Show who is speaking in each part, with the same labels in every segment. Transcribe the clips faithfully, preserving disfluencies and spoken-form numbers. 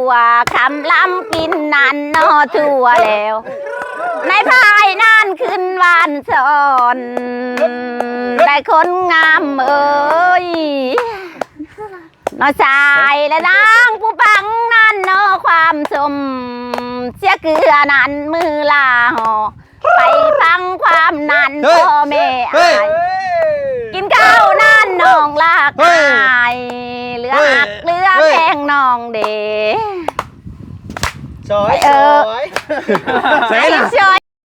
Speaker 1: วคำล้ำกินนันนอทั่วแล้วในภายนั่นขึ้นวานสอนได้คนงามเอ้ยนอชายและนางผู้ปังนั่นนอความสมเสียเกลือนั้นมือลาหอไปฟังความนั้นพ่อแม่อายกินข้าวนั่นน้องลากอายเหลือหักเหลือแพงน้องเด
Speaker 2: ซอยซอย
Speaker 1: ใส่ละซอย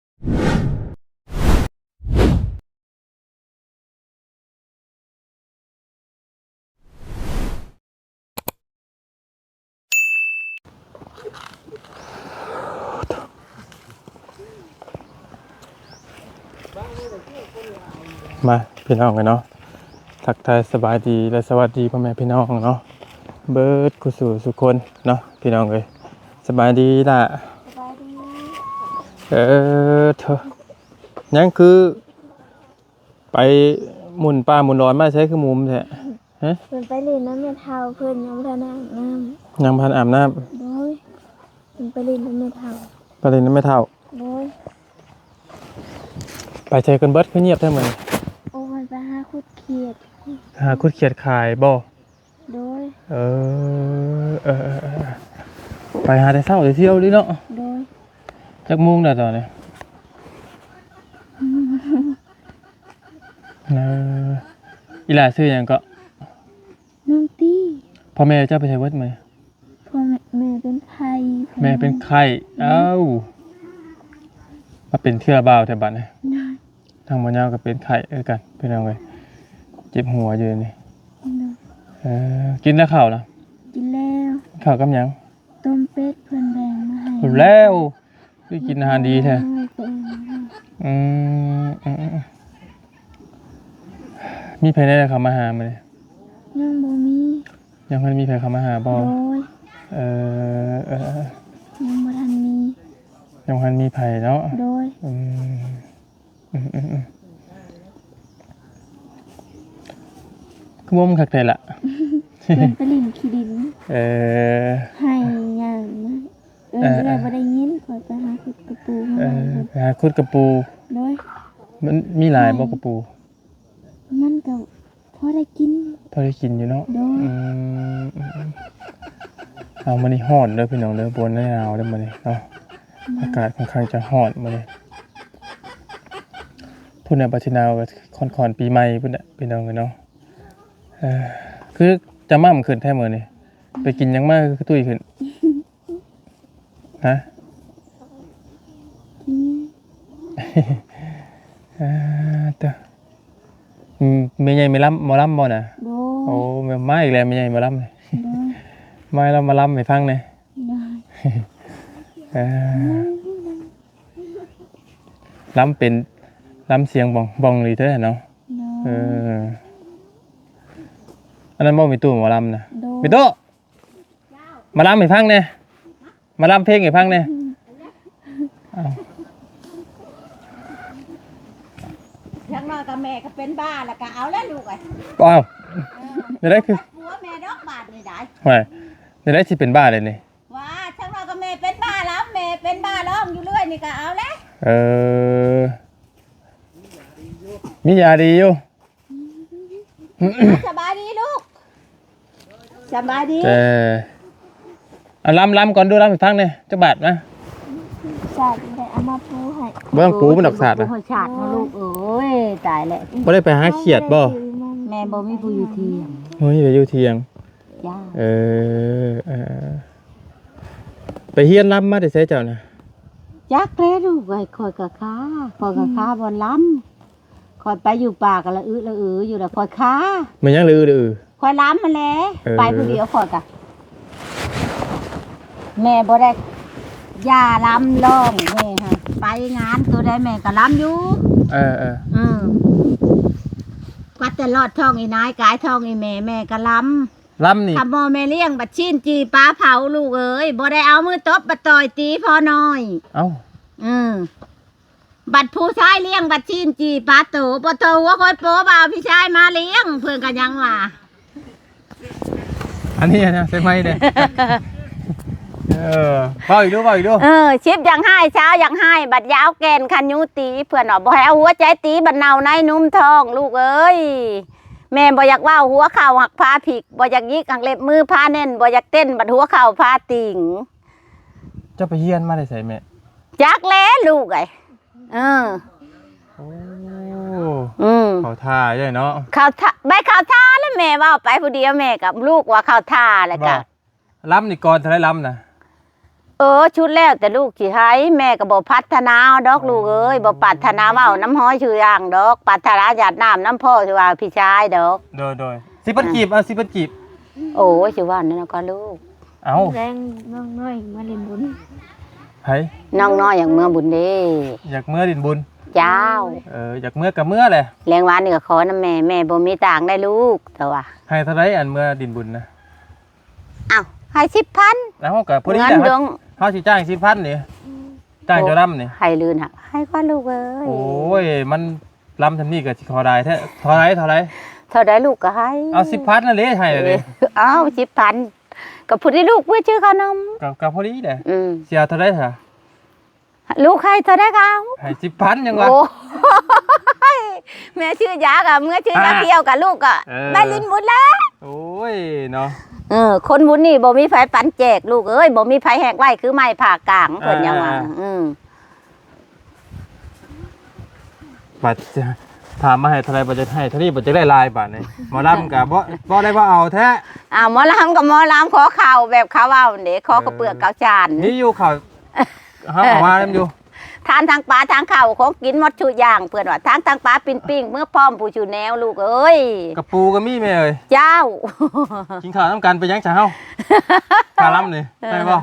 Speaker 3: มาพี่น้องกันเนาะทักทายสบายดีและสวัสดีพ่อแม่พี่น้องเนาะเบิร์ดกุศลสุคนเนาะพี่น้องเลยสบายดีล่ะสบายดีเออเธอยังคือไปหมุนปลาหมุนร้อนมาใช้คือมุมแท้ฮะ
Speaker 4: เพิ่นไปเล่นน้ำเมทาเพิ่นยังพันอาบน้
Speaker 3: ำยังพันอาบน้
Speaker 4: ำโดยเพิ่นไปเล่นน้ำเมทา
Speaker 3: ไปเล่นน้ำไม่เท่า
Speaker 4: โดย
Speaker 3: ไปใช้กันเบิร์ดคือเงียบแท้เหมือน
Speaker 4: โอ้ยไปหาคุดเขียด
Speaker 3: หาคุดเขียดขายบ่
Speaker 4: โดย
Speaker 3: เออเออเออไปหาแต่เช้าแต่เที่ยวดิเนาะ
Speaker 4: โดย
Speaker 3: จักมุ่งได้ตอนนี้เอออีหล่าซื้อยังก็
Speaker 4: น้องตี้
Speaker 3: พ่อแม่เจ้าไปใช้วัดไหม
Speaker 4: พ่อแม่แม่เป็นไข้
Speaker 3: แม่เป็นไข้เอ้ามาเป็นเทื่อบ่าวแต่บัดนี้ทางบ่ยาวก็เป็นไข้เอ้กันเป็นเอาไงเจ็บหัวอยู่นี่เออกินแล้วข้าวนะ
Speaker 4: กินแล้ว
Speaker 3: ข้าวกับหยัง
Speaker 4: ต้มเป็ดเพิ่นแบ่งมาให้
Speaker 3: แล้วคือกินอาหารดีแท้อืมอืมมีใครได้เข้ามาหามั้ย
Speaker 4: ยังบ่มี
Speaker 3: ยังบ่มีใครเข้ามาหาบ่เออเออ
Speaker 4: ยังบ่ทันมี
Speaker 3: ยังบ่ทันมีไผเนาะ
Speaker 4: โดย
Speaker 3: อืมอืมอืมคือบ่มันคักแท้ล่ะ
Speaker 4: เพิ่นไปลิ้นขี้ดิน
Speaker 3: เออ
Speaker 4: ให้หยังนะเออได้บ่ได้ยินขอยไปหาขุดกระปู
Speaker 3: เออไปหาขุดกระปู
Speaker 4: โดย
Speaker 3: มันมีหลายบ่กระปู
Speaker 4: มันก็พอได้กิน
Speaker 3: พอได้กินอยู่เนาะอืมเอามานี่ฮอดเด้อพี่น้องเด้อบนหนาวเด้อมื้อนี้เนาะอากาศค่อนข้างจะฮอดมื้อนี้พุ่นน่ะปัจจุบันก็ค่อนๆปีใหม่พุ่นน่ะพี่น้องเนาะเออคือจะม่ํขึ้นแท้มื้อนี้ไปกินหยังมาคือตุ้ยขึ้นฮะเออตะอืมแม่ใหญ่ไม่ล้ำหมอล้ำบ่น่ะโอ้แม่มาอีกแล้วแม่ใหญ่หมอล้ำเลยมาแล้วมาล้ำให้ฟังหน่อยเออล้ำเป็นล้ำเสียงบ่องบ่องเลยเด้อเนาะเอออันนั้นบ่มีตู้หมอล้ำน่ะมีตู้มาล้ำให้ฟังแน่มาล้ำเพลงให้ฟังแน่อ้าว
Speaker 1: ยังน้อยกับแม่ก็เป็นบ้าแล้วก็เอาแล้วลูกไอ้
Speaker 3: อ้าวเดี๋ยวได้คือ
Speaker 1: ผัวแม่ดอกบาดนี่ได้
Speaker 3: ไม่เดี๋ยวได้สิเป็นบ้าเลยนี่
Speaker 1: ว่าช่างน้อยกับแม่เป็นบ้าแล้วแม่เป็นบ้าร้องอยู่เรื่อยนี่ก็เอาแล้ว
Speaker 3: เออมียาดีอยู่
Speaker 1: สบายดีลูกสบายดี
Speaker 3: เออเอาล้ำล้ำก่อนดูล้ำอีกครั้งเนี่ยจักบาทนะ
Speaker 4: ศาสตร์ได้เอามาปูให้
Speaker 3: บ่ต้องปูมันดอกศาสตร์นะ
Speaker 1: ปูศาสตร์นะลูกเอ้ยตายแล้ว
Speaker 3: บ่ได้ไปหาเขียดบ่
Speaker 1: แม่บ่มีผู้อยู่เทียง
Speaker 3: โอ้ยไปอยู่เทียง
Speaker 1: จ้า
Speaker 3: เออเออไปเฮียนล้ำมาได้ใช้เจ้านะ
Speaker 1: จักแล้วลูกไอ้คอยกะค้าคอยกะค้าบ่ล้ำคอยไปอยู่ป่ากันละอื้อละอื้ออยู่แล้วคอยค้า
Speaker 3: มันยังลือลือ
Speaker 1: คอยล้ำมาแล้วไปผู้เดียวคอยกะแม่บ่ได้ย่าล้ำร้องแม่ฮะไปงานตัวใดแม่ก็ล้ำอยู่
Speaker 3: เออเออ
Speaker 1: อืมกัดแต่ลอดท้องอีนายกายท้องอีแม่แม่ก็ล้ำ
Speaker 3: ล้ำนี่
Speaker 1: ทำโมแม่เลี้ยงบัดชิ้นจีปลาเผาลูกเอ้ยบ่ได้เอามือตบบัดต่อยตีพอน้อย
Speaker 3: เอ้า
Speaker 1: อืมบัดผู้ชายเลี้ยงบัดชิ้นจีปลาโตบ่โตว่าคอยโป๊บ่าวพี่ชายมาเลี้ยงเพิ่นก็ยังว่า
Speaker 3: อันนี้นะใช่ไหมเนี่ยเออเบาอีกดูเบาอีกดู
Speaker 1: เออชิบยังให้เช้ายังให้บัดยาวแกนคันยุตีเพื่อนบอกบ่ให้เอาหัวใจตีบัดเนาในนุ่มทองลูกเอ้ยแม่บ่อยากว่าหัวเข่าหักพาผิกบ่อยากยิกหักเล็บมือพาเน่นบ่อยากเต้นบัดหัวเข่าพาติ่ง
Speaker 3: เจ้าไปเฮียนมาได้ใส่แม่
Speaker 1: จักแล้ลูกไอ้เออ
Speaker 3: โอ้
Speaker 1: อืม
Speaker 3: เขาท่าใช่เนาะ
Speaker 1: ข่าวท่าใบข่าวท่าแล้วแม่ว่าไปผู้เดียวแม่กับลูกว่าข่าวท่าแล้ว
Speaker 3: บ่
Speaker 1: ก็
Speaker 3: ล้ำนี่ก่อนจะได้ล้ำนะ
Speaker 1: เออชุดแล้วแต่ลูกสิให้แม่ก็บ่พัฒนาดอกลูกเอ้ยบ่ปรารถนาเว้าน้ำห้อยชื่ออย่างดอกปรารถนาหยาดน้ำน้ำพ่อสิว่าพี่ชายดอก
Speaker 3: โดยโดยสิบันกีบเอาสิบันกีบ
Speaker 1: โอ้ยสิว่านั่นนะก็ลูก
Speaker 3: เอา
Speaker 4: แรงน้องน้อยมาเล่นบุญ
Speaker 3: ไห้
Speaker 1: น้องน้อยอย่างเมื่อบุญเด้
Speaker 3: อยากเมื่อดินบุญ
Speaker 1: ยาว
Speaker 3: เอออยากเมื่อกับเมื่อเลย
Speaker 1: แรงหวานนี่ก็ขอน้ำแม่แม่บ่มีต่างค์ได้ลูกแต่ว่า
Speaker 3: ให้เท่าไรอันเมื่อดินบุญนะ
Speaker 1: อ้าวให้สิบพัน
Speaker 3: แล้วเขากับพอดี
Speaker 1: เงิน
Speaker 3: แหละ
Speaker 1: ดวง
Speaker 3: เขาสิจ้างสิพันนี่จ้างเจะล้ำนี่
Speaker 1: ให้ลื่นหักให้ก็ลูกเอ้ย
Speaker 3: โอ้ยมันล้ำทำนี่กับสิขอได้แท้เท่าไรเท่าไร
Speaker 1: เท่าใดลูกก็ให้
Speaker 3: เอาสิพันนั่นเลยให้เลย
Speaker 1: เอาสิบพันกับผู้ที่ลูกเพื่อชื่อขนม
Speaker 3: กับกับพอดีเลย
Speaker 1: อืม
Speaker 3: เสียเท่าไรเถอะ
Speaker 1: ลูกใครเท่าได้เขา
Speaker 3: ให้สิพันยังวะ
Speaker 1: โอ้ยแม่ชื่อยากับเมื่อชื่อยา
Speaker 3: อ่า
Speaker 1: เที่ยวกับลูกอ่ะ
Speaker 3: เออ
Speaker 1: ได้ลินบุญแล้ว
Speaker 3: โอ้ยเนาะ
Speaker 1: เออคนบุญนี่บ่มีไฟปันแจกลูกเอ้ยบ่มีไฟแหกไว้คือไม้ผ่ากลางเพิ่นยังว่าอืม
Speaker 3: บัดจะถามมาให้เท่าไรบัดจะให้เท่านี้บัดจะได้ลายบาทนี่หมอลำกับบ่บ่ได้ว่าเอาแท้
Speaker 1: อ้าวหมอลำกับหมอลำขอข่าวแบบเขาเอาเด้ขอกระเปือกกาวจาน
Speaker 3: นี่อยู่เขาเฮาเอามาเล่มอยู่
Speaker 1: ทานทางปลาทางข้าวของกินหมดชุดอย่างเพื่อนว่าทางทางปลาปิ้งปิ้งเมื่อพร้อมผู้ชูแนวลูกเอ้ย
Speaker 3: กระปูก็มีแม่เอ้ย
Speaker 1: เจ้า
Speaker 3: กินข้าวน้ำกันไปยังจ้าเฮาข้าล้ำนี่ได้บ่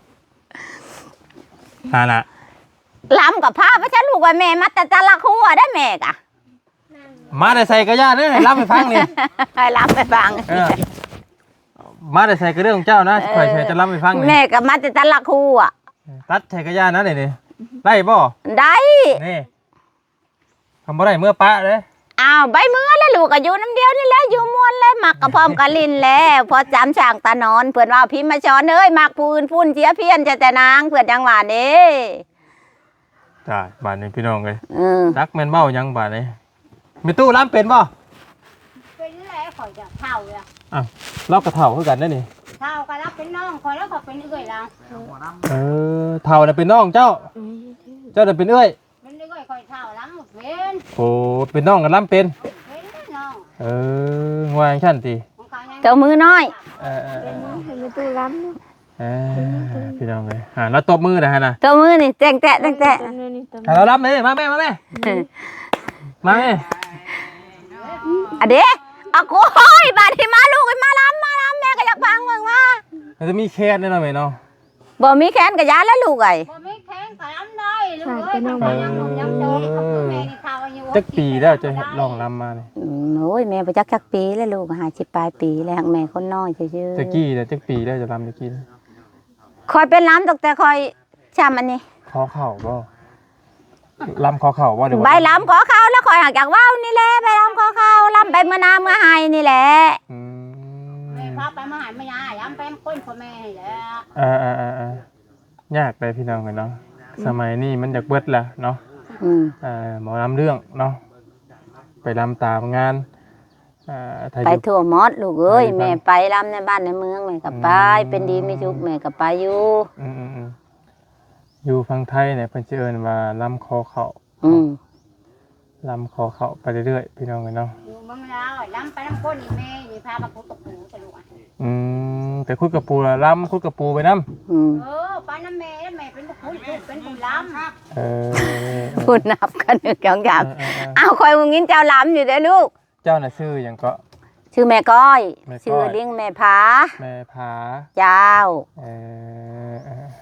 Speaker 3: ฮาน่ะ
Speaker 1: ลำกับผ้าพระฉันลูกว่าแม่มาแต่ตะละครัวได้แม่กะ
Speaker 3: มาได้ใส่กระยาเด้อให้ล้ำให้ฟังนี่
Speaker 1: ให้ลำไปฟัง
Speaker 3: เออมาได้ใส่กระเรื่องของเจ้านะข่อยใส่จะล้ำให้ฟังนี่
Speaker 1: แม่กับมาแต่ตะละครัว
Speaker 3: ตัดใส่กระยานะนี่นี่ได้บ่
Speaker 1: ได้
Speaker 3: นี่ทำบ่ได้เมื่อปะเด้อ
Speaker 1: อ้าวใบมือแล้วลูกก็อยู่น้ำเดียวนี่แหละอยู่มวนเลยหมักกระพร้อมกะลินแล้วพอจำช่างตานอนเพื่อนว่าพิมพ์มาช้อนเอ้ยหมักปูนพุ่นเสียเพี้ยนจะแต่นางเพื่อนยังหวานเด้
Speaker 3: จ้าบาดนี้พี่น้องเอ้ย
Speaker 1: อืม
Speaker 3: รักแม่นเบ้ายังบาดนี้มีตู้ล้ำเป็นบ่
Speaker 2: เป็นแล้วข่อยจะเท่าเลย
Speaker 3: อ้าวเรากระเถ่าคือกันได้อนี่
Speaker 2: เท่าก็รับเป็นน้องข่อยแล้วก็เป็นเอื้อยเรา
Speaker 3: เออเถ่าน่ะเป็นน้องเจ้า เจ้าน่ะเป็นเอ้ย
Speaker 2: เป็นเอื้อยข่อยเท่าล้ำหมดเป็น
Speaker 3: โอ้เป็นน้องกันล้ำเป็น
Speaker 2: เป็นน้อง
Speaker 3: เอองวางชั้นตี
Speaker 2: ของเขายัง
Speaker 1: เจ้ามือน้อย
Speaker 3: เออเออเออ
Speaker 4: เป็นประตูล้ำเนาะ
Speaker 3: เออพี่น้องเลยอ่าแล้วตบมือนะฮะนะ
Speaker 1: เจ้ามือนี่แตงแตะแตงแตะ
Speaker 4: ตอนนี้ตอน
Speaker 3: อ่าเรารับเลยมาแม่มาแม่มาแม่
Speaker 1: อะเด้อะโอ้ยบาดที่มาลูกมาล้ำมาล้ำแม่ก็อยากฟังมึงว่า
Speaker 3: มันจะมีแค่นด้วยนะแม่เนาะ
Speaker 1: บ่มีแขนกับยาแล้วลูกไอ้
Speaker 2: บ่ไม่แข็งก็ล้ำได้ลูกเอ้ยมันก็ยังหนุ่มยังโตกับแม่นี่เท่าอายุ
Speaker 3: จักปีแล้วจะลองลำมาเนี่ย
Speaker 1: อืมโอ้ยแม่ไปจักจักปีแล้วลูกหาสิบปลายปีแล้วแม่คนน้อยชื่อ
Speaker 3: จักกี้แต่จักปีแล้วจะลำจักกี้
Speaker 1: คอยเป็นล้ำตั้งแต่คอยจำอันนี้
Speaker 3: คอเข่าบ่ลำคอเข่าบ่เดี๋ยว
Speaker 1: ใบล้ำขอเขาแล้วคอยหักจากว่าวนี่แหละใบล้ำขอเขาล้ำไปเมื่อนาเมื่อไฮนี่แหละ
Speaker 3: อืม
Speaker 2: แม่พาไปมาหาไม่ยายย้ำไปคนพ่อแม่ให้แล้ว
Speaker 3: อ่าอ่าอ่าอ่ายากเลยพี่น้องกันเนาะสมัยนี้มันอยากเบิดละเนาะ
Speaker 1: อืม
Speaker 3: อ่าหมอลำเรื่องเนาะไปลำตามงานอ่าถ้าอ
Speaker 1: ไป
Speaker 3: ยู่
Speaker 1: ทั่วหมดลูกเอ้ย
Speaker 3: ไปบ้าน
Speaker 1: แม่ไปล้ำในบ้านในเมืองแม่ก็ไป
Speaker 3: อืม
Speaker 1: เป็นดีไม่ชุกแม่ก็ไปอยู่
Speaker 3: อืมอืมอืมอยู่ฝั่งไทยเนี่ยเพิ่นสิเอิ้นว่าลำคอเข่า
Speaker 1: อืม
Speaker 3: ลำคอเข่าไปเรื่อยๆพี่น้องกันเนาะ
Speaker 2: อยู่เมืองลาวย้ำไปน้ำก้นนี่แม่นี่พามาพุตกหูตะลุก
Speaker 3: อืมไปคุดกับปูละลำคุดกับปูไปน้
Speaker 1: อืม
Speaker 2: เออไปน้ำแม่แม่เป็นผู้เป็นผู้ล้ำ
Speaker 3: ำเออ
Speaker 1: พูดนับกันหนึ่งสองสาม
Speaker 3: เออเออเออ
Speaker 1: อ้าวคอยมึงงินเจ้าล้ำอยู่เด้อลูก
Speaker 3: เจ้าน่ะชื่อหยังก็
Speaker 1: ชื่อแม่ก้อย
Speaker 3: แม่ก้อย
Speaker 1: ชื่อเลี้ยงแม่ผา
Speaker 3: แม่ผา
Speaker 1: เจ้า
Speaker 3: เออเออ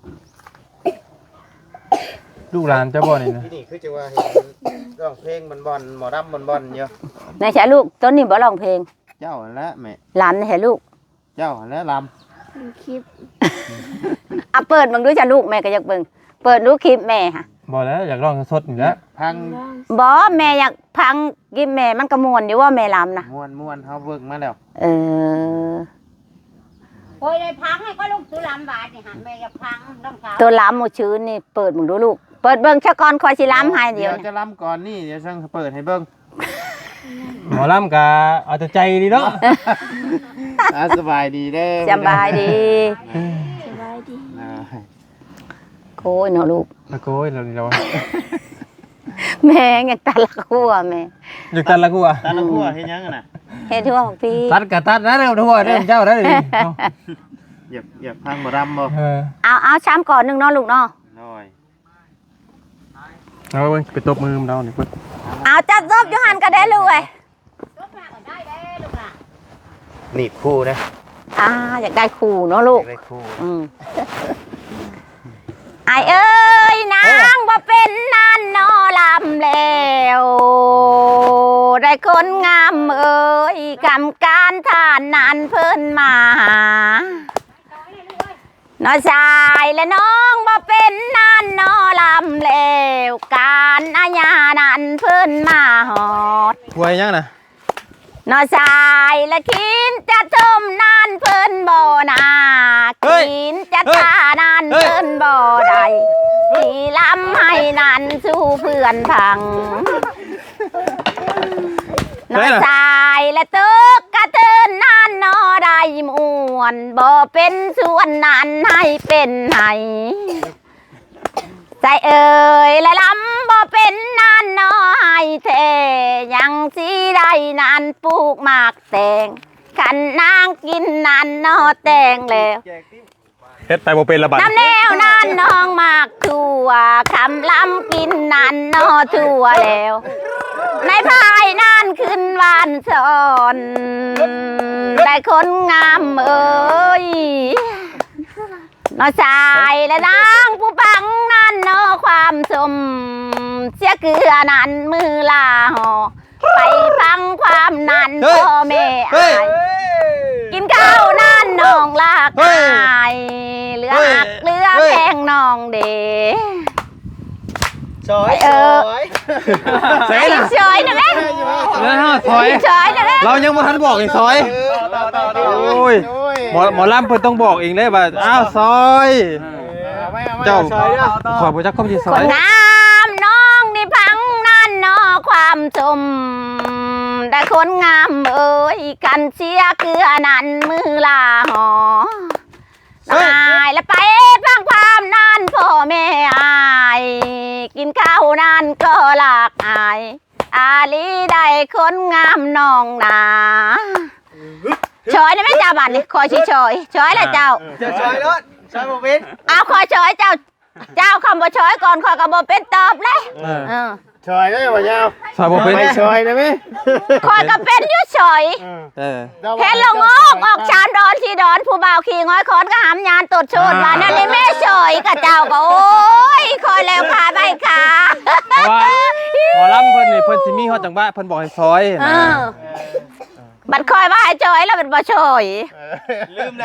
Speaker 3: ลูกหลานเจ้าบ่นี่นะ
Speaker 5: ที่นี่คือจะว่าเห็นร้องเพลงบอลบอลหมอรำบอลบอลเยอะ
Speaker 1: นายชายลูกต้นนี้บ่ร้องเพลง
Speaker 5: เจ้าและแม่
Speaker 1: หลานนายชายลูก
Speaker 5: เจ้าและล
Speaker 4: ดูคลิป
Speaker 1: อ่ะเปิดมึงดูจ้ะลูกแม่ก็อยากเบิ่งเปิดดูคลิปแม่ค่ะ
Speaker 3: บ่แล้วอยากร้องสดๆอยู่แล้ว
Speaker 5: ำพัง
Speaker 4: ร้อง
Speaker 1: บ่แม่อยากพังกินแม่มันกระมวลอยู่ว่าแม่ล้ำนะ
Speaker 5: มวนมวนเขาเบิกมาแล้ว
Speaker 1: เออ
Speaker 2: โอ้ยได้พังให้ก็ลูกตุลามบาทนี่ฮะแม่อย่าพังต้องเท้า
Speaker 1: ตัวล้ำหมดชื้นนี่เปิดมึงดูลูกเปิดเบิ่งชะกอนคอยสิล้ำให้เดียว
Speaker 5: เดี๋ยวจะล้ำก่อนนี่เดี๋ยวช่างเปิดให้เบิ่ง
Speaker 3: หมอลำกะเอาแต่ใจดีเนาะ
Speaker 5: อ่ะสบายดีเด้อ
Speaker 1: สบายดี
Speaker 4: สบายดี
Speaker 5: อ่า
Speaker 1: โอ้ยเนาะลูก
Speaker 3: ตะโกยเราดีแล้ว
Speaker 1: แม่ยังตาละคั่วแม่
Speaker 3: อยู่ตันละกูอ่ะ
Speaker 5: ตาละหัวเฮ็ดหยังอะน่ะ
Speaker 1: เฮ็ดทั่วของพี่
Speaker 3: ตัดกะตัดนะเร็วทั่วเด้อเจ้าได้ดิ
Speaker 5: เหยียบเหยียบพังบ่รำบ่
Speaker 3: เออ
Speaker 1: เอาเอาช้ำก่อนหนึงเนาะลูกเนาะ
Speaker 5: น้อย
Speaker 3: เอาเบิ่งไปตบมือมันเรานี่เพิ่น
Speaker 1: เอาจัดซบอยู่หันก็ได้ลูกเอ้ย
Speaker 2: ลูกมาก็ได้เด้ลูกล่ะ
Speaker 5: หนีบคู่นะ
Speaker 1: อ่าอยากได้คู่เนาะลูก
Speaker 5: ได้คู่
Speaker 1: อืมไอเอ้ยนางบ่เป็นนานนอลำแล้วได้คนงามเอ้ยกำการทานนานเพิ่นมาหาน้อชายและน้องบ่เป็นนานนอลำแล้วการอาญานั้นเพิ่นมาหอด
Speaker 3: หวยยังน่ะ
Speaker 1: น้อชายและคินจะชมนานเพิ่นบ่นาคินจะทานานเพิ่นบ่ได้ที่ลำให้นานสู้เพื่อนพังน้อชายและตึกกระเทินนานนอได้มวนบ่เป็นส่วนนั้นให้เป็นให้ใจเอ่ยและลำบ่เป็นนานนอให้เทยังสิได้นานปลูกหมากแตงขันนางกินนานนอแตงแล้ว
Speaker 3: เฮ็ดไปบ่เป็นละบาด
Speaker 1: น้ำแนวนานน้องหมากทั่วคำลำกินนานนอทั่วแล้วในภายนานขึ้นวานสอนได้คนงามเอ้ยนอชายและนางผู้ปังนั่นนอความสมเสียเกลือนั้นมือลาหอไปฟังความนั้นพ่อแม่อายกินข้าวนั่นน้องลากอายเหลือหักเหลือแพงน้องเด
Speaker 5: ซอย
Speaker 1: เออ
Speaker 3: เส
Speaker 1: ไอ้
Speaker 3: น่ะ
Speaker 1: ชอยนะแม่
Speaker 3: แล้วฮะซอย
Speaker 1: ชอยนะแม่
Speaker 3: เรายังบ่ทันบอกอีกซอย
Speaker 5: ต่อต่อต่อ
Speaker 3: โอ้ย หมอหมอลำเพิ่นต้องบอกเองได้ว่าอ้าวซอย
Speaker 5: เอาไว้เอาไว้
Speaker 3: เจ้า
Speaker 5: ซอยเด้อ
Speaker 3: ขอบ่จักคำที่ซ
Speaker 1: ค
Speaker 3: อน ย
Speaker 1: งามน้องนี่พังนั่นนอความชมได้คนงามเอ้ยกันเชียเกลือนั้นมือลาหอตายแล้วไปฟังความนั่นพ่อแม่อายกินข้าวนั่นก็หลากอายอาลีได้คนงามน้องนาชอยได้ไหมเจ้าบัตรนี่คอยชิชอยชอยแล้วเจ้า
Speaker 5: จะซอยรถซอยบ่เป็น
Speaker 1: เอาคอยชอยเจ้า เจ้าคำบ่ชอยก่อนคอยกระบอเป็นตอบเลย
Speaker 3: เออ
Speaker 1: เออ
Speaker 5: ซอยได้บ่ยาว
Speaker 3: ซอยบ่เป็น
Speaker 5: ไปซอยได้มั้ย
Speaker 1: คอยก็เป็นอยุ่ชอย
Speaker 3: เออ
Speaker 1: เห็นลงออกออกชามดอนที่ดอนผู้บ่าวขี่ง้อยคอนก็หามยานตดโชดว่านั่นนี่แม่ชอยกับเจ้าก็โอ้ยคอยแล้วขาใบขา
Speaker 3: เพราะว่าหมอลำเพิ่นนี่เพิ่นสิมีฮอดจังหวะเพิ่นบอกให้ซอย
Speaker 1: เอ
Speaker 3: นะ
Speaker 1: อบัดคอยว่าให้ชอยแล้วเป็นบ่ชอย
Speaker 5: ลืมนะ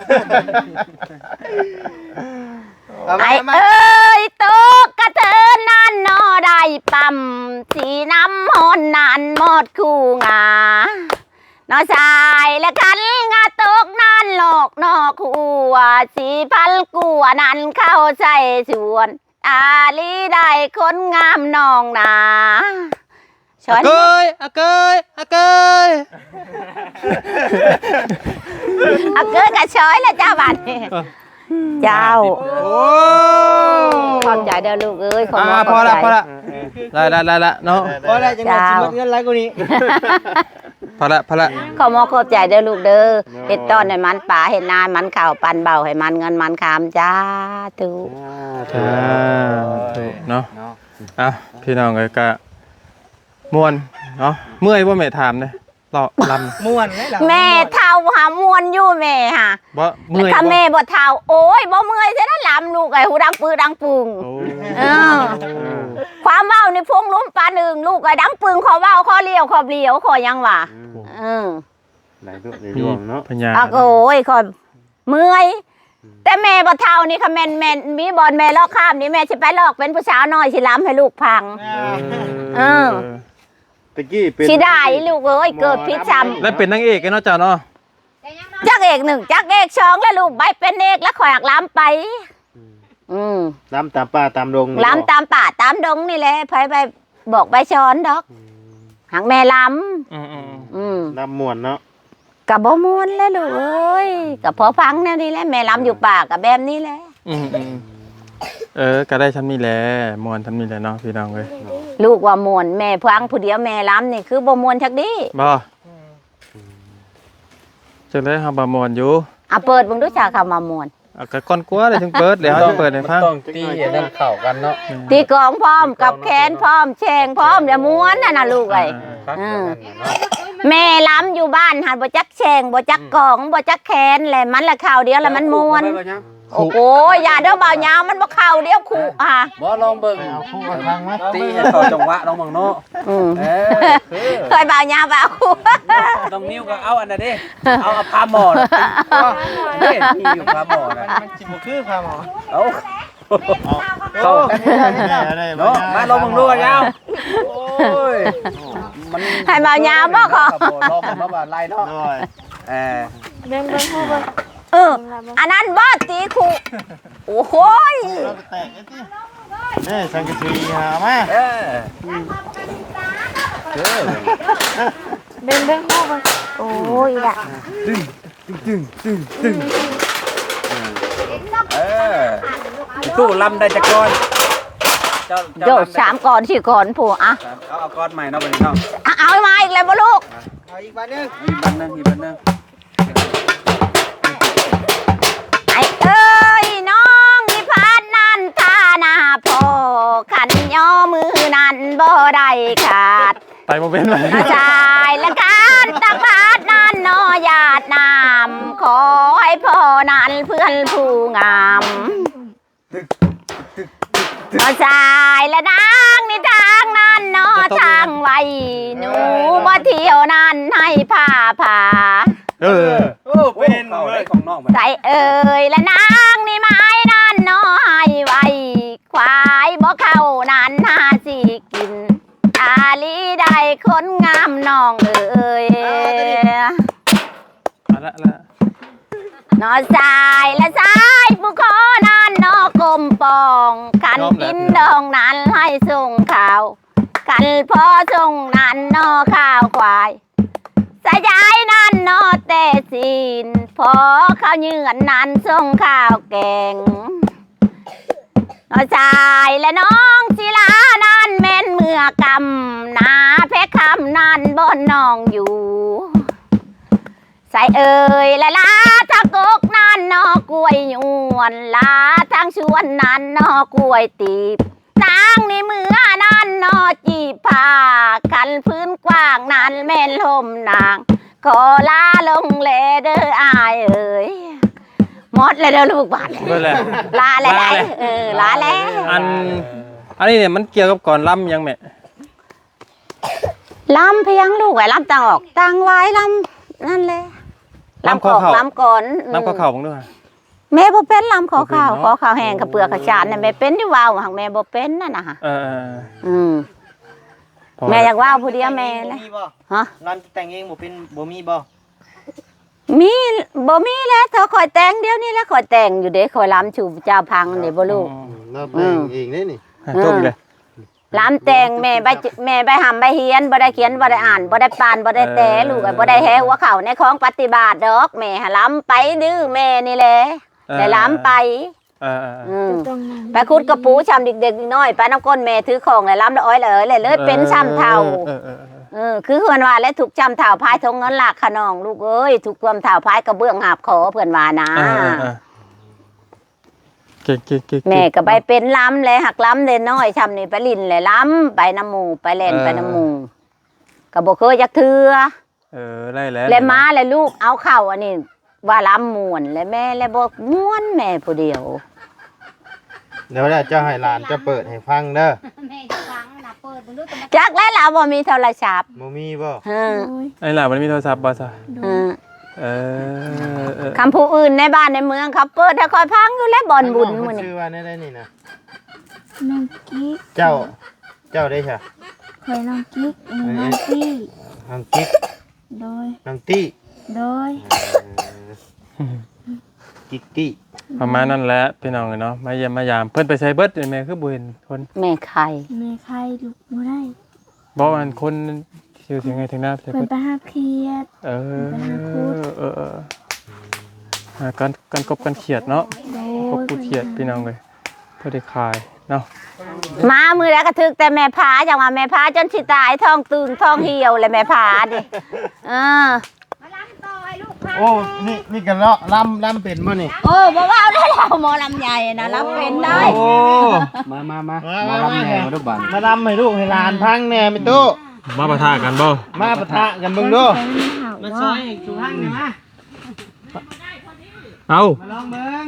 Speaker 1: ไอ้เอ้ยตกกระเทินนั่นนอได้ปั๊มสีน้ำหอนนานหมดคู่งานอชายและกันงาตกนั่นหลอกนอกหัวสีพันกัวนั่นเข้าใจชวนอาลีได้คนงามน้องนาชอน
Speaker 3: เกยอะเกยอะเกย
Speaker 1: เอาเกิดกับชอยแล้วเจ้าบัดนี้เจ้า
Speaker 3: โอ้
Speaker 1: ขอบใจเด้อลูกเอ้ยขอบ
Speaker 3: อ่า
Speaker 1: คุณ
Speaker 3: พอละ
Speaker 1: ขอบใจ
Speaker 3: พอละได้ได้ได้ละเนาะ
Speaker 5: พอแล้วจังหวะสิลดเงินหลายกว่านี้
Speaker 3: พอละพอละ
Speaker 1: ขอมอขอบใจเด้อลูกเด้อเฮ็ดต้อนให้มันป่าเฮ็ดนามันข้าวปันเบาให้มันเงินมันคำจ้าตุ
Speaker 3: อ่าถูกเนาะอ่ะพี่น้องเอ้ยก็ม่วนเนาะเมื่อยบ่แม่ถามเด้เลาะลำ
Speaker 5: ม่วนเลยล่ะ
Speaker 1: แม่เท่าหามวนอยู่แม่ฮะ
Speaker 3: บ่
Speaker 1: แล้ว
Speaker 3: เมื่อย
Speaker 1: ถ้า
Speaker 3: บ่
Speaker 1: แม่บ่เท่าโอ้ยบ่เมื่อยซะนะลำลูกไอ้หูดังปือดังปึง
Speaker 3: โอ้
Speaker 1: เออ ความเว้านี่พงลุ้มปานหนึ่งลูกไอ้ดังปึงขอเว้าขอเลี้ยวขอเลี้ยวขอยังวะเออ
Speaker 5: หลายตัวหลาย
Speaker 3: มี
Speaker 5: ดวงเนาะ
Speaker 3: ปัญญา
Speaker 1: อ่ะโอ้ยขอเมื่อยแต่แม่บ่เท่านี่ค่ะแม่นแม่นมีบอลแม่ลอกข้ามนี่แม่สิไปลอกเป็นผู้สาวน้อยสิล้ำให้ลูกพัง เออ
Speaker 5: ตะกี้เป็น
Speaker 1: สิได้ลูกเอ้ยเกิดพิษซ้ำ
Speaker 3: แล้วเป็นนางเอกกันเนาะเจ้าเนาะ
Speaker 1: จักเอกหนึ่งจักเอกสองแล้วลูกใบเป็นเอกแล้วข่อยหักล้ำไป อืม
Speaker 5: ล้ำตามป่าตามดง
Speaker 1: ล้ำตามป่าตามดงนี่แหละไปไปบอกใบช้อนดอกหักแม่ล้
Speaker 3: อืมอืม
Speaker 1: ำอืม
Speaker 5: ล้ำม่วนเนาะ
Speaker 1: กับบ่มวนแล้วลูกเอ้ยกับพอฟังแนวนี้แหละแม่ล้ำอยู่ป่ากับแบบนี้แหละ
Speaker 3: อืมอืมเออก็ได้ทำนี่แหละมวนทำนี่แหละเนาะพี่น้องเอ้ย
Speaker 1: ลูกว่ามวนแม่ฟังผู้เดียวแม่ล้ำนี่คือบ่มวนชักดี
Speaker 3: บ่จังได๋เฮาบ่มวนอยู่
Speaker 1: อ่ะเปิดเบิ่งดูจ้าคำว่ามวน
Speaker 3: อ่ะก็ก่อนกลัวเลยถึงเปิดแล้วจะเปิดให้ฟัง
Speaker 5: ต้องตีให้นั่นเข้ากันเนาะ
Speaker 1: ตีกลองพร้อมกับแขนพร้อมแชงพร้อมเดี๋ยวม้วนน่ะนะลูกเอ้ย อืม แม่ล้ำอยู่บ้านหันบ่จักแชงบ่จักกองบ่จักแขนแหละมันละข่าวเดียวแล้วมันม้วน โอ้โหอย่าเด้อบ่าวยาวมันบ่เข้าเดียวคู่อ่ะ
Speaker 6: บ่ลองเบิ่ง
Speaker 5: เอาคู่กันทางไหม
Speaker 6: ตีให้เข้าจังหวะน้องบังเนาะ
Speaker 1: อืม
Speaker 6: เออคือ
Speaker 1: เคยบ่าวยาวบ่าวคู่
Speaker 6: น้องนิ้วก็เอาอันนั้นดิเอาเอาพาหมอนะนี่มีอยู่พาหมอนะ
Speaker 5: มันสิบ่คือค่ะหมอ
Speaker 6: เอาเข้ากันเนาะมาลองเบิ่งดูกันยาวโอ้ยมัน
Speaker 1: ให้บ่าวยาวบ่ขอ
Speaker 6: ลองเบิ่งเนาะว่าไล่เนาะ
Speaker 5: โดย
Speaker 6: เออ
Speaker 4: เบิ่งเบิ่งฮู้เบิ่ง
Speaker 1: เอออันนั้นบ่ตีคู่โอ้โหย
Speaker 5: เราแตกไอ้ตินี่สังกะสีหามา
Speaker 6: เออเออ
Speaker 4: เบิ่งเบิ่งฮู้เบิ่ง
Speaker 1: โอ้ยล่ะ
Speaker 6: เออตู้ลำได้จักก่อนเจ้า
Speaker 1: โยกสามก่อนสี่ก่อนผู้อ่ะ
Speaker 6: เอาเอาก้อนใหม่เนาะบัดนี้เนาะ
Speaker 1: อ่ะเอามาอีกแล้วบ่ลูก
Speaker 5: เอาอีกบาทนึง
Speaker 6: อีกบันหนึงอีกบันหนึง
Speaker 1: ไอ้เอ้ยน้องนิพานนั่นท่าหน้าพ่อขันย่อมือนั่นบ่ได้ขาด
Speaker 3: ไปบ่เป็นเลย
Speaker 1: น้าชายและการตักบาตรนั่นนอญาตินามขอให้พ่อนั้นเพื่อนผู้งามน้าชายและนางในทางนั้นนอทางไว้หนูบ่เที่ยวนั้นให้ผ้าผ่า
Speaker 3: เออ
Speaker 6: โอ้เป็นเลยของน้อง
Speaker 1: ใส่เอ่ยและนางนี่ไม้นั่นน้อยไว้ควายบ่เข้านั้นหาสิกินอาลีได้คนงามน้องเอ่ย
Speaker 3: เอาละละ
Speaker 1: นอสายและสายผู้ขอนั้นนอกลมปองขันกินดองนั้นให้ส่งข่าวขันพอส่งนั้นนอข้าวควายสายายนั้นนอเตสินพอข้าวเหยื่อนนั้นส่งข้าวแกงนอชายและน้องศิลานั้นแม่นเมื่อกำนาเพชรคำนั้นบนน้องอยู่ใส่เอ่ยและลาทะกกนั้นนอกล้วยยวนลาทางชวนนั้นนอกล้วยตีบนางในเมื่อนั้นนอจีบผ้ากันพื้นกว้างนั้นแม่นลมนางขอลาลงเลเด้ออายเอ่ยหมดเลยเด้อลูกบาท
Speaker 3: เบิ่แล้ว
Speaker 1: ลาแล้ว
Speaker 3: ลาแล้ว
Speaker 1: เออลาแล้ว
Speaker 3: อันอันนี้เนี่ยมันเกี่ยวกับก่อนล่ำยังแม่
Speaker 1: ลำเพียงลูกไว้ลำตังออกตังไว้ลำนั่นแหละ
Speaker 3: ลำข้อเข่า
Speaker 1: ลำก่อนอืม
Speaker 3: ลำข้อเข่าบ้างด้วย
Speaker 1: แม่บ่เป็นลำขอข้าว
Speaker 3: บ่เป็น
Speaker 1: ข
Speaker 3: เนาะ
Speaker 1: อข้าวแห้งกับเปลือกกับจานเนี่ยแม่เป็นที่ว่าวหังแม่บ่เป็นนั่นน่ะฮะ
Speaker 3: เออเออ
Speaker 1: อืม
Speaker 3: พอ
Speaker 1: แม่อยากว่าวผู้เดียวแม่เลย
Speaker 5: มีบ่
Speaker 1: ฮะ
Speaker 5: ร้านแต่งเองบ่เป็นบ่มีบ่
Speaker 1: มีบ่มีแล้วเธอคอยแต่งเดี๋ยวนี้แล้วคอยแต่งอยู่เด้คอยลำชูเจ้าพังนี่บ่ลูก
Speaker 5: เราแต่งเองนี่นี่
Speaker 3: ให้ต้มเลย
Speaker 1: ลำแต่งแม่ใบแม่ใบหำใบเฮียนบ่ได้เขียนบ่ได้อ่านบ่ได้ปานบ่ได้แต่ลูกอะบ่ได้แฮหัวเข่าในของปฏิบัติดอกแม่หาลำไปดื้อแม่นี่แหละได้ลำไป
Speaker 3: เออเออเออ
Speaker 1: อืม
Speaker 4: ตรงนั้น
Speaker 1: ไปคุดกระปูช้ำเด็กๆน้อยไปน้ำก้นแม่ถือของเลยล้ำละอ้อยเลยเลยเลยเป็นช้ำเท่า
Speaker 3: เออเออเออ
Speaker 1: เออคือเพื่อนว่าและถูกช้ำเท่าพายทงเงินหลักขนองลูกเอ้ยถูกความเท่าพายกระเบื้องหาบขอเพื่อนว่านะ
Speaker 3: เออเออเออเก่งเก่งเก่ง
Speaker 1: แม่ก็ไปเป็นล้ำเลยหักล้ำเลยน้อยช้ำนี่ไปลินเลยล้ำไปน้ำหมูไปเล่นไปน้ำหมูกระบอกเคยจักเทือ
Speaker 3: เออได้แล้ว
Speaker 1: เลยมาเลยลูกเอาเข่าอันนี้ว่าล้ำมวนเลยแม่เลยบอกม้วนแม่ผู้เดียว
Speaker 5: เดี๋ยวเจ้าให้หลานจะเปิดให้ฟังเด้อ
Speaker 2: แม่จะฟังนะเปิดมันดูแต่มัน
Speaker 1: จักแล้วเราบ่มีโทรศัพท์
Speaker 5: บ่มีบ่
Speaker 1: เออ
Speaker 4: โอ้ย
Speaker 3: ไอ้หล่ะมันมีโทรศัพท์บ่ซะ
Speaker 1: เออ
Speaker 3: เออเออ
Speaker 1: คำผู้อื่นในบ้านในเมืองเขาเปิดให้คอยพังอยู่แล้วบอลบุญ
Speaker 5: มั
Speaker 1: มื้อน นี่
Speaker 5: ชื่อว่าได้ได้นี่นะ
Speaker 4: น้องกิ๊ก
Speaker 5: เจ้า เจ้าได้ใช่
Speaker 4: เคยน้องกิ๊กอันนี้น้องตี้
Speaker 5: น้องกิ๊ก
Speaker 4: โดย
Speaker 5: น้องตี้
Speaker 4: โโดย
Speaker 5: กิ๊กกี้
Speaker 3: ประมาณนั้นแหละพี่น้องเนาะมาเยี่ยมมายามเพิ่นไปใช้เบิดแม่คือบ่เห็นคน
Speaker 1: แม่ไข่
Speaker 4: แม่ใครลูกบ่ได้
Speaker 3: บ่อันคนชื่อถึงไงถึงหน้าใช่
Speaker 4: เพิ่น
Speaker 3: เบิด
Speaker 4: ไปหาเครียด
Speaker 3: เออเออเอออ่าการการกบกันเขียดเนาะ
Speaker 4: โด
Speaker 3: กบ
Speaker 4: ย
Speaker 3: กูเขียดพี่น้องเลยเพื่อได้ขายเนาะ
Speaker 1: มามือแล้วก็ถึกแต่แม่พาจังว่าแม่พาจนสิตายท้องตึงท้องเหี่ยวเลยแม่พาดิเออ
Speaker 2: มาล้างต่อให้ลูกค่ะ
Speaker 5: โอ้นี่นี่กันเลาะลำลำเป็นบ่นี่
Speaker 1: โอ้บ่ว่าได้เราหมอลำใหญ่นะรับเป็นได้
Speaker 6: โอ้มามามามาลำแหน่มาดูบัน
Speaker 5: มาลำให้ลูกให้หลานพังแหน่ไม่ตู้
Speaker 3: มาปะทะกันบ่
Speaker 5: มาปะทะกันเบิ่งดู
Speaker 4: มาซอย
Speaker 5: สุพังนี่มา
Speaker 3: เอา
Speaker 5: มาลองเบิ่ง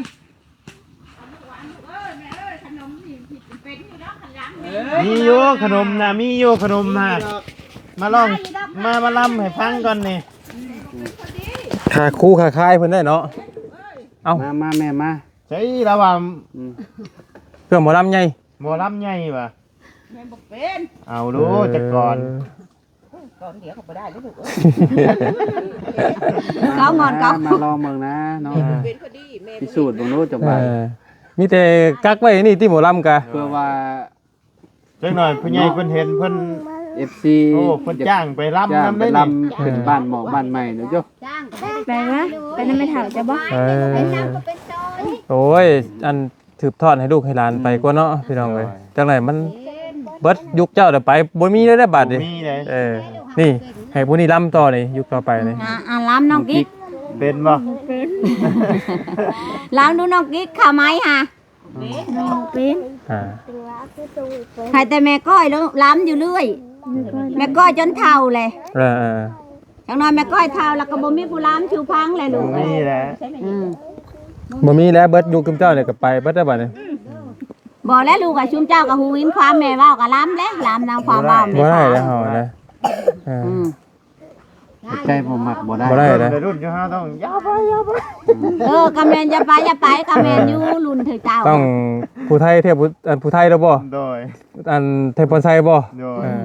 Speaker 5: มีอยู่ขนมนะมีอยู่ขนมนะมาลองมามาลำให้พังก่อนนี่
Speaker 3: ขาคู่ขาคายเพิ่นได้เนาะเอา
Speaker 6: มามาแม่มา
Speaker 5: ใช่แล้วว่า
Speaker 6: อืม
Speaker 3: เครื่องหมอลำใหญ่
Speaker 5: หมอลำใหญ่ป่ะเอาดูจักก่อน
Speaker 1: เขางอนเขา
Speaker 6: มาลองเมืองนะเนาะพิสูจน์เบิ่งรู้จัง
Speaker 3: เอ
Speaker 6: บัน
Speaker 3: อมีแต่กักไว้นี่ที่หมอลำกะ
Speaker 6: เพื่อว่า
Speaker 5: จักหน่อยผู้ใหญ่เพิ่นเห็นเพิ่น
Speaker 6: เอฟซี
Speaker 5: โอ้เพิ่นจ้างไปลำ
Speaker 6: จ้าง
Speaker 5: นำ
Speaker 6: ไป
Speaker 5: ได้
Speaker 6: ล
Speaker 5: นี่
Speaker 6: ำเป็นบ้านหมอกบ้านใหม่เนาะโย
Speaker 2: จ้างก็
Speaker 4: ไปวะไปนำไม่เฒ่าจะบ่
Speaker 3: เออ
Speaker 2: เป็นน้ำก็เป็นซอย
Speaker 3: โอ้ยอันถืบทอดให้ลูกให้หลานไปกว่าเนาะพี่น้องเอ้ยจังไหนมันเบิดยุคเจ้าเดี๋ยวไปบ่มีเลยได้บัดนี่
Speaker 5: มีเลย
Speaker 3: เออนี่ให้ผู้นี้ลำต่อนี่ยุคต่อไปนี่
Speaker 1: อ่ะอ่ะล้ำน้องกิ๊ก
Speaker 5: เป็นบ่
Speaker 1: ล้ำดูน้องกิ๊กขาไหมฮะ
Speaker 4: น้องเป็น
Speaker 3: อ่า
Speaker 1: ใครแต่แม่ก้อยแล้วล้ำอยู่เรื่อย
Speaker 4: ไม่ค่อย
Speaker 1: แม่ก้อยจนเท่าเลย
Speaker 3: เออเออ
Speaker 1: จังน้อยแม่ก้อยเท่าแล้วก็บ่มีผู้ล้ำชูพังเลยลูก
Speaker 5: มีแหละ
Speaker 1: อืม
Speaker 3: บ่มีแล้วเบิดยุคเจ้าเนี่ยก็ไปเบิดได้บัดนี่
Speaker 1: บอกแล้วลูกกับชุมเจ้ากับฮูวินความแม่เว้ากับล้ำแล้วล้ำนางความเว้าแม่
Speaker 3: บ่ได้
Speaker 1: พา
Speaker 3: แล้วเฮานะเออ
Speaker 1: อืม
Speaker 6: ใจบ่มักบ่ได้
Speaker 3: บ่ได้ นะ
Speaker 5: วัยรุ่นอยู่เฮาต้องยาวไปยาวไป
Speaker 1: เออกำเมนจะไปจะไปกำเมนอยู่รุ่นเธอเจ้า
Speaker 3: ต้องผู้ไทยเทพผู้อันผู้ไทยแล้วบ่
Speaker 5: โดย
Speaker 3: อันเทพพรไซบ่
Speaker 5: โดย
Speaker 3: เออ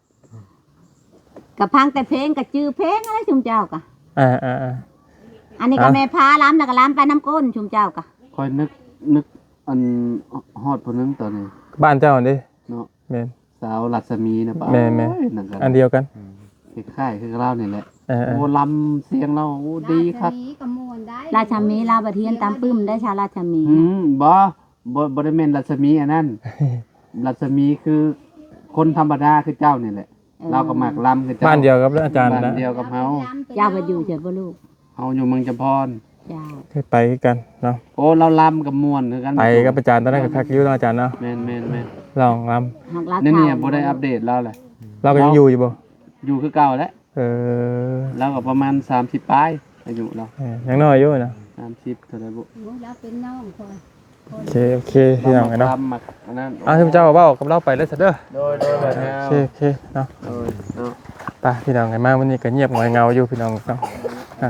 Speaker 1: กับพังแต่เพลงกับจื้อเพลงอะไรชุมเจ้ากะ
Speaker 3: อ่าอ่าอ่า
Speaker 1: อันนี้ก็แม่พาล้ำแล้วก็ล้ำไปน้ำก้นชุมเจ้ากะ
Speaker 6: คอยนึกนึกอันฮอดผู้นึงตอนนี้
Speaker 3: บ้านเจ้าอันนี้
Speaker 6: เนาะ
Speaker 3: แม่น
Speaker 6: สาวรัศมีนะป้า
Speaker 3: แม่แม่
Speaker 6: นั่นก็
Speaker 3: อันเดียวกัน
Speaker 6: คล้ายๆคือเรานี่แหละ
Speaker 3: เออเอ
Speaker 6: โอ้
Speaker 3: อ
Speaker 6: ลำเสียงเราโอ้ดีครับ
Speaker 2: ราชนีก็ม่วนได้
Speaker 1: ราชมีลาบะเทียนตามปึ้มได้ชาราชมี
Speaker 6: อืมบ่บ่บ่ได้แม่นรัศมีอันนั้น รัศมีคือคนธรรมดาคือเจ้านี่แหละ เราก็มักลำคือเจ้า
Speaker 3: บ้านเดียวกับอาจารย์
Speaker 6: บ้าน
Speaker 3: นะ
Speaker 6: เดียวกับเฮา
Speaker 1: เจ้าไปอยู่เฉยบ่ลูก
Speaker 6: เฮาอยู่เมืองจำพร
Speaker 1: เจ้า
Speaker 3: เคยไปกันเนาะ
Speaker 6: โอ้เราลำกับม่วนคือกัน
Speaker 3: ไปกับอาจารย์ตอนนั้นก็คักอยู่เนาะอาจารย์เนาะ
Speaker 6: แม่นแม่นแม่น
Speaker 3: ลองล
Speaker 1: หักลา
Speaker 6: นั่นเนี่ย
Speaker 1: เท่า
Speaker 6: บ่ได้อัปเดตเราแหละ
Speaker 3: ำเราก็ยังอยู่อยู่บ่
Speaker 6: อยู่คือเก่าแล้ว
Speaker 3: เออ
Speaker 6: เราก็ประมาณสามสิบปลายอายุเรา
Speaker 3: เออยังน้อยอยู่นะ
Speaker 6: สามสิบเท่าไหร่บ่
Speaker 2: โอ้ยแล้วเป็นน้องคน
Speaker 3: โอเคโอเคพี่น้องกันเนาะ
Speaker 6: ลำมักอันนั้น
Speaker 3: อ้าวที่เจ้าเว้ากับเราไปเลยซะเด้อ
Speaker 5: โดยโดยแบบ
Speaker 3: โอ
Speaker 5: นี้
Speaker 3: เคโอเคเนาะ
Speaker 6: โอ้ยเนาะ
Speaker 3: ไปพี่น้องกันมาวันนี้ก็เงียบหงอยเงาอยู่พี่น้องเนาะอ่า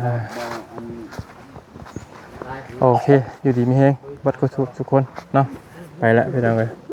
Speaker 3: โอเคอยู่ดีมีแฮงบัดกุศลทุกคนเนาะไปละพี่น้องเอ้ย